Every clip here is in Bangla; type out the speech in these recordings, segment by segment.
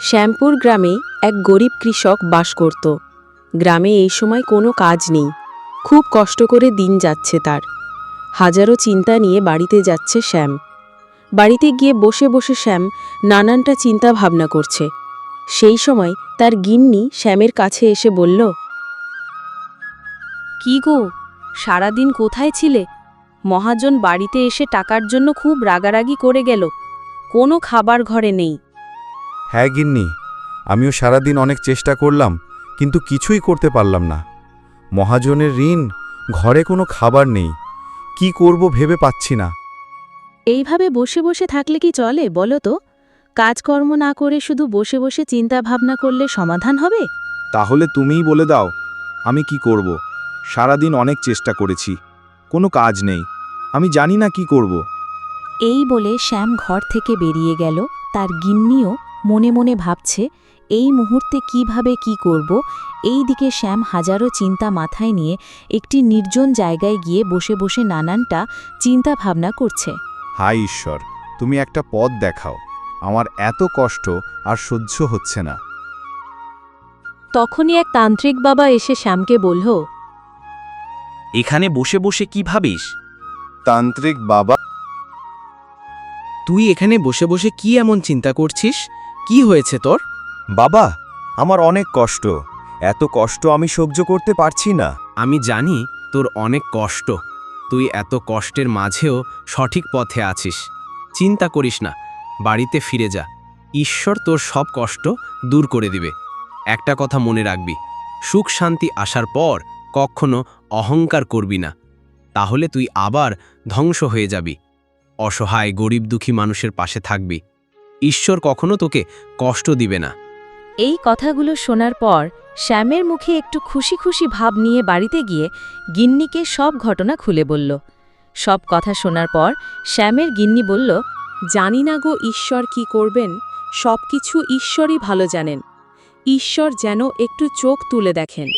শ্যামপুর গ্রামে এক গরিব কৃষক বাস করত। গ্রামে এই সময় কোনো কাজ নেই, খুব কষ্ট করে দিন যাচ্ছে তার। হাজারো চিন্তা নিয়ে বাড়িতে যাচ্ছে শ্যাম। বাড়িতে গিয়ে বসে বসে শ্যাম নানানটা চিন্তা ভাবনা করছে। সেই সময় তার গিন্নি শ্যামের কাছে এসে বলল, "কি গো, সারাদিন কোথায় ছিলে? মহাজন বাড়িতে এসে টাকার জন্য খুব রাগারাগি করে গেল, কোনো খাবার ঘরে নেই।" হ্যাঁ গিন্নি, আমিও সারাদিন অনেক চেষ্টা করলাম, কিন্তু কিছুই করতে পারলাম না। মহাজনের ঋণ, ঘরে কোনো খাবার নেই, কি করব ভেবে পাচ্ছি না। এইভাবে বসে বসে থাকলে কি চলে বলো তো? কাজকর্ম না করে শুধু বসে বসে চিন্তা ভাবনা করলে সমাধান হবে? তাহলে তুমিই বলে দাও, আমি কি করব? সারাদিন অনেক চেষ্টা করেছি, কোনো কাজ নেই, আমি জানি না কি করব। এই বলে শ্যাম ঘর থেকে বেরিয়ে গেল। তার গিন্নিও মনে মনে ভাবছে এই মুহূর্তে কিভাবে কি করব। এই দিকে শ্যাম হাজারো চিন্তা মাথায় নিয়ে একটি নির্জন জায়গায় গিয়ে বসে বসে নানানটা চিন্তা ভাবনা করছে। হায় ঈশ্বর, তুমি একটা পথ দেখাও, আমার এত কষ্ট আর সহ্য হচ্ছে না। তখনই এক তান্ত্রিক বাবা এসে শ্যামকে বলল, এখানে বসে বসে কি ভাবিস? তান্ত্রিক বাবা, তুই এখানে বসে বসে কি এমন চিন্তা করছিস? কি হয়েছে তোর? বাবা, আমার অনেক কষ্ট, এত কষ্ট আমি সহ্য করতে পারছি না। আমি জানি তোর অনেক কষ্ট, তুই এত কষ্টের মাঝেও সঠিক পথে আছিস। চিন্তা করিস না, বাড়িতে ফিরে যা, ঈশ্বর তোর সব কষ্ট দূর করে দিবে। একটা কথা মনে রাখবি, সুখ শান্তি আসার পর কখনো অহংকার করবি না, তাহলে তুই আবার ধ্বংস হয়ে যাবি। অসহায় গরিব দুঃখী মানুষের পাশে থাকবি, ঈশ্বর কখনো তোকে কষ্ট দিবে না। এই কথাগুলো শোনার পর শ্যামের মুখে একটু খুশি খুশি ভাব নিয়ে বাড়িতে গিয়ে গিন্নিকে সব ঘটনা খুলে বলল। সব কথা শোনার পর শ্যামের গিন্নি বলল, "জানি না গো ঈশ্বর কি করবেন, সব কিছু ঈশ্বরই ভালো জানেন। ঈশ্বর যেন একটু চোখ তুলে দেখেন।"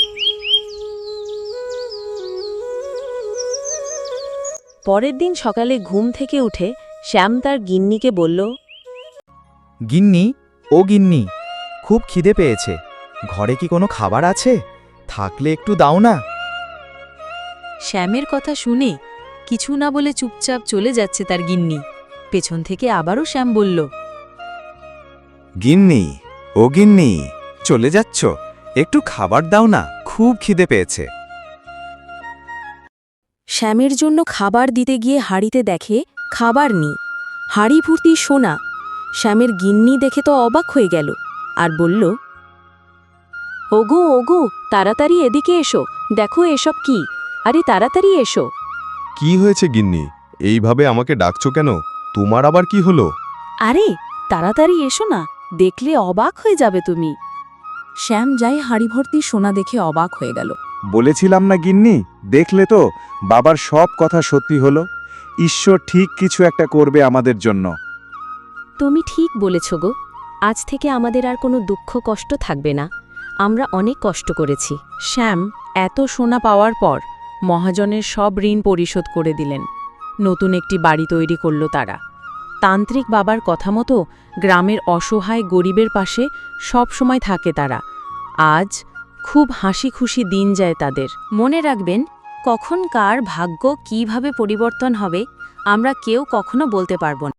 পরের দিন সকালে ঘুম থেকে উঠে শ্যাম তার গিন্নিকে বলল, গিন্নি, ও গিন্নি, খুব খিদে পেয়েছে, ঘরে কি কোনো খাবার আছে? থাকলে একটু দাও না। শ্যামের কথা শুনে কিছু না বলে চুপচাপ চলে যাচ্ছে তার গিন্নি। পেছন থেকে আবারও শ্যাম বলল, গিন্নি, ও গিন্নি, চলে যাচ্ছ? একটু খাবার দাও না, খুব খিদে পেয়েছে। শ্যামের জন্য খাবার দিতে গিয়ে হাঁড়িতে দেখে খাবার নেই, হাঁড়ি ভর্তি সোনা। শ্যামের গিন্নি দেখে তো অবাক হয়ে গেল আর বলল, "ওগো ওগো, তাড়াতাড়ি এদিকে এসো, দেখো এসব কি, আরে তাড়াতাড়ি এসো।" কি হয়েছে গিন্নি, এইভাবে আমাকে ডাকছো কেন? তোমার আবার কি হলো? "আরে তাড়াতাড়ি এসো না, দেখলে অবাক হয়ে যাবে তুমি।" শ্যাম যাই হাঁড়ি ভর্তি সোনা দেখে অবাক হয়ে গেল। বলেছিলাম না গিন্নি, দেখলে তো, বাবার সব কথা সত্যি হলো। ঈশ্বর ঠিক কিছু একটা করবে আমাদের জন্য। তুমি ঠিক বলেছ গো, আজ থেকে আমাদের আর কোনো দুঃখ কষ্ট থাকবে না, আমরা অনেক কষ্ট করেছি। শ্যাম এত সোনা পাওয়ার পর মহাজনের সব ঋণ পরিশোধ করে দিলেন। নতুন একটি বাড়ি তৈরি করল তারা। তান্ত্রিক বাবার কথা মতো গ্রামের অসহায় গরিবের পাশে সব সময় থাকে তারা। আজ খুব হাসি খুশি দিন যায় তাদের। মনে রাখবেন, কখন কার ভাগ্য কিভাবে পরিবর্তন হবে আমরা কেউ কখনো বলতে পারব না।